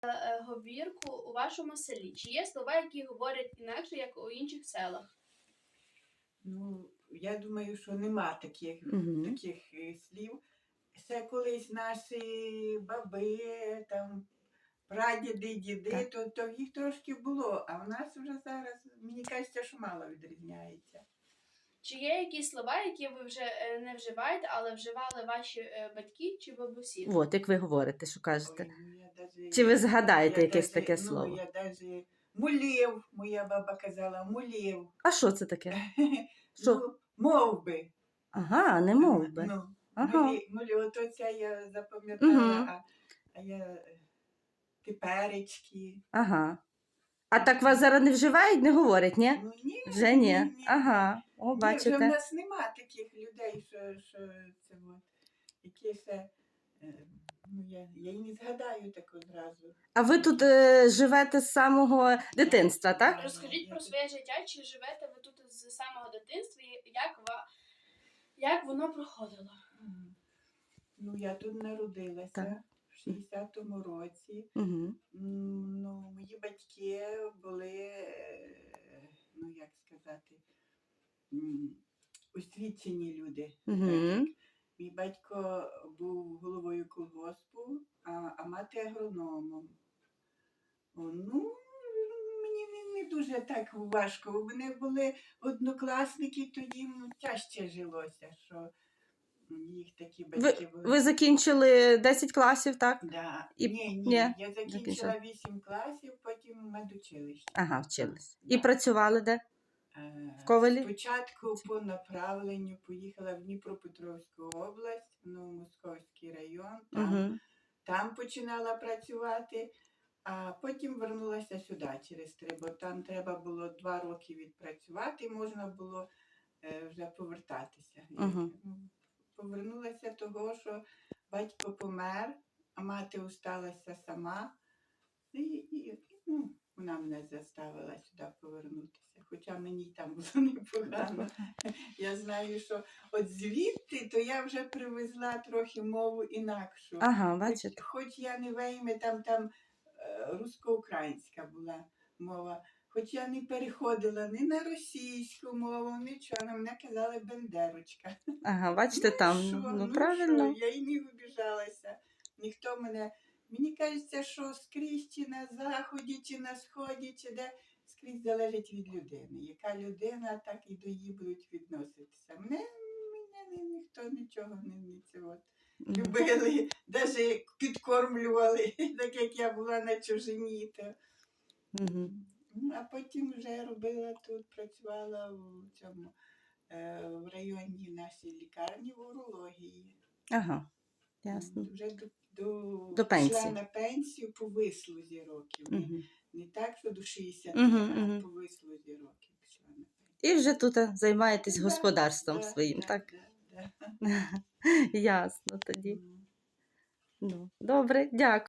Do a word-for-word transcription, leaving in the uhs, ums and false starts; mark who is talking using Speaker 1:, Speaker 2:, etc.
Speaker 1: е, говірку у вашому селі? Чи є слова, які говорять інакше, як у інших селах?
Speaker 2: Ну, я думаю, що нема таких,
Speaker 3: Мгм.
Speaker 2: таких е, слів. Це колись наші баби, там, прадіди, діди,
Speaker 3: Так.
Speaker 2: то, то їх трошки було, а в нас вже зараз, мені кажеться, що мало відрізняється.
Speaker 1: Чи є якісь слова, які ви вже е, не вживаєте, але вживали ваші е, батьки чи бабусі?
Speaker 3: От, як ви говорите, що кажете.
Speaker 2: Ой, ну, я даже,
Speaker 3: Чи ви згадаєте
Speaker 2: я
Speaker 3: якесь
Speaker 2: даже,
Speaker 3: таке
Speaker 2: ну,
Speaker 3: слово?
Speaker 2: я даже мулів, моя баба казала, мулів.
Speaker 3: А що це таке? Що?
Speaker 2: Ну, мов би.
Speaker 3: Ага, не мов би.
Speaker 2: Ну,
Speaker 3: Ага.
Speaker 2: мулі, мулі, ото це я запам'ятала,
Speaker 3: Мгм.
Speaker 2: а, а я е, теперечки.
Speaker 3: Ага. А так вас зараз не вживають, не говорять, ні?
Speaker 2: Ну, ні,
Speaker 3: Вже ні. Ага. О,
Speaker 2: Ні, вже в
Speaker 3: бачите.
Speaker 2: нас нема таких людей, що, що це от, які ще, е, ну, я, я й не згадаю так одразу.
Speaker 3: А ви тут е, живете з самого дитинства, так?
Speaker 1: Розкажіть
Speaker 2: Я
Speaker 1: про
Speaker 2: тут-
Speaker 1: своє життя, чи живете ви тут з самого дитинства, і як, ва... як воно проходило?
Speaker 2: М. Ну, я тут народилася
Speaker 3: Так.
Speaker 2: в шістдесятому році.
Speaker 3: Угу.
Speaker 2: М, Ну, мої батьки були, е, ну як сказати, м, освічені люди.
Speaker 3: Угу.
Speaker 2: Так. Мій батько був головою колгоспу, а, а мати агрономом. О, ну, мені не, не дуже так важко. У мене були однокласники, то їм тяжче жилося, що їх такі батьки були.
Speaker 3: Ви закінчили десять класів, так?
Speaker 2: Да.
Speaker 3: І-
Speaker 2: Ні, ні,
Speaker 3: ні,
Speaker 2: я закінчила
Speaker 3: закінчила.
Speaker 2: вісім класів, потім медучилище.
Speaker 3: Ага, вчились.
Speaker 2: Да.
Speaker 3: І працювали де?
Speaker 2: Е,
Speaker 3: В Ковелі?
Speaker 2: Спочатку по направленню поїхала в Дніпропетровську область, в Новомосковський район, там,
Speaker 3: Угу.
Speaker 2: там починала працювати, а потім вернулася сюди через три, бо там треба було два роки відпрацювати, можна було е, вже повертатися. Я,
Speaker 3: Угу.
Speaker 2: ну, Повернулася того, що батько помер, а мати усталася сама. І, і, ну, вона мене заставила сюди повернутися, хоча мені й там було непогано. Я знаю, що от звідти, то я вже привезла трохи мову інакшу.
Speaker 3: Ага,
Speaker 2: Хоч,
Speaker 3: бачите.
Speaker 2: хоч я не вийме, там, там е, русско-українська була мова. Хоч я не переходила ні на російську мову, нічого, на мене казали бендерочка.
Speaker 3: Ага, бачите, там.
Speaker 2: що,
Speaker 3: Ну, правильно.
Speaker 2: Що? Я й не обіжалася. Ніхто мене. Мені кажеться, що скрізь чи на заході, чи на сході, чи де скрізь залежить від людини. Яка людина, так і до її будуть відноситися. Мене, мене ні- ніхто нічого не, не це от.
Speaker 3: Мгм.
Speaker 2: Любили, навіть підкормлювали, так як я була на чужині. То.
Speaker 3: Мгм.
Speaker 2: Ну, а потім вже робила тут, працювала в цьому е, в районній нашій лікарні в урології.
Speaker 3: Ага, ясно.
Speaker 2: Вже до, до,
Speaker 3: До пенсії.
Speaker 2: пішла на пенсію по вислузі років. Не,
Speaker 3: Угу.
Speaker 2: не так, що до шістдесят,
Speaker 3: Мгм,
Speaker 2: а
Speaker 3: мгм.
Speaker 2: по вислузі років пішла на пенсію.
Speaker 3: І вже тут е, займаєтесь
Speaker 2: Да,
Speaker 3: господарством
Speaker 2: да,
Speaker 3: своїм,
Speaker 2: да,
Speaker 3: так?
Speaker 2: да, да.
Speaker 3: Ясно тоді.
Speaker 2: М.
Speaker 3: Ну, добре, дякую.